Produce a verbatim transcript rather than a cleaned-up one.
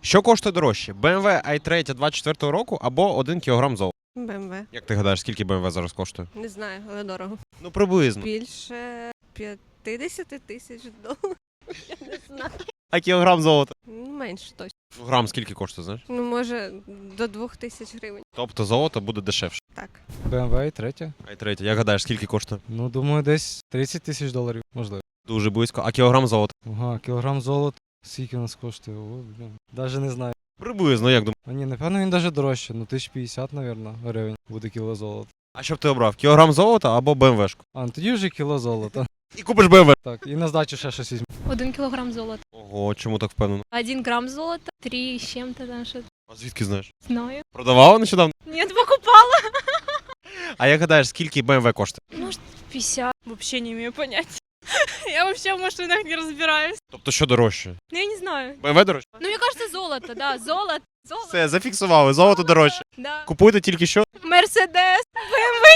Що коштує дорожче? бе ем ве ай три двадцять четвертого року або один кілограм золота? Бе ем ве. Як ти гадаєш, скільки бе ем ве зараз коштує? Не знаю, але дорого. Ну, приблизно. Більше п'ятдесят тисяч доларів. Я не знаю. А кілограм золота? Ну, менше точно. Ну, грам скільки коштує, знаєш? Ну, може, до двох тисяч гривень. Тобто золото буде дешевше. Так. бе ем ве ай три. ай три, як гадаєш, скільки коштує? Ну, думаю, десь тридцять тисяч доларів, можливо. Дуже близько. А кілограм золота? Ага, кілограм золота. Скільки у нас коштує? О, блін. Даже не знаю. Приблизно, як думаєш? А ні, напевно, він даже дорожче. Ну, тисяч п'ятдесят, мабуть, гривень буде кіло золота. А що б ти обрав? Кілограм золота або бе ем вешку? А, ну тоді вже кіло золота. І купиш бе ем ве. Так, і на здачу ще щось візьму. Один килограмм золота. Ого, чому так впевнено? Один грамм золота. Три с чем-то там что-то. А звідки знаєш? Знаю. Продавала нещодавно? Нет, покупала. А як гадаєш, скільки бе ем ве коштує? Может, пятьдесят. Вообще не имею понятия. Я вообще в машинах не разбираюсь. Тобто що дорожче? Ну, я не знаю. бе ем ве дорожче? Ну, мне кажется, золото, да, золото. Золото. Все, зафіксували, золото дорожче. Да. Купуйте тільки що? Мерседес.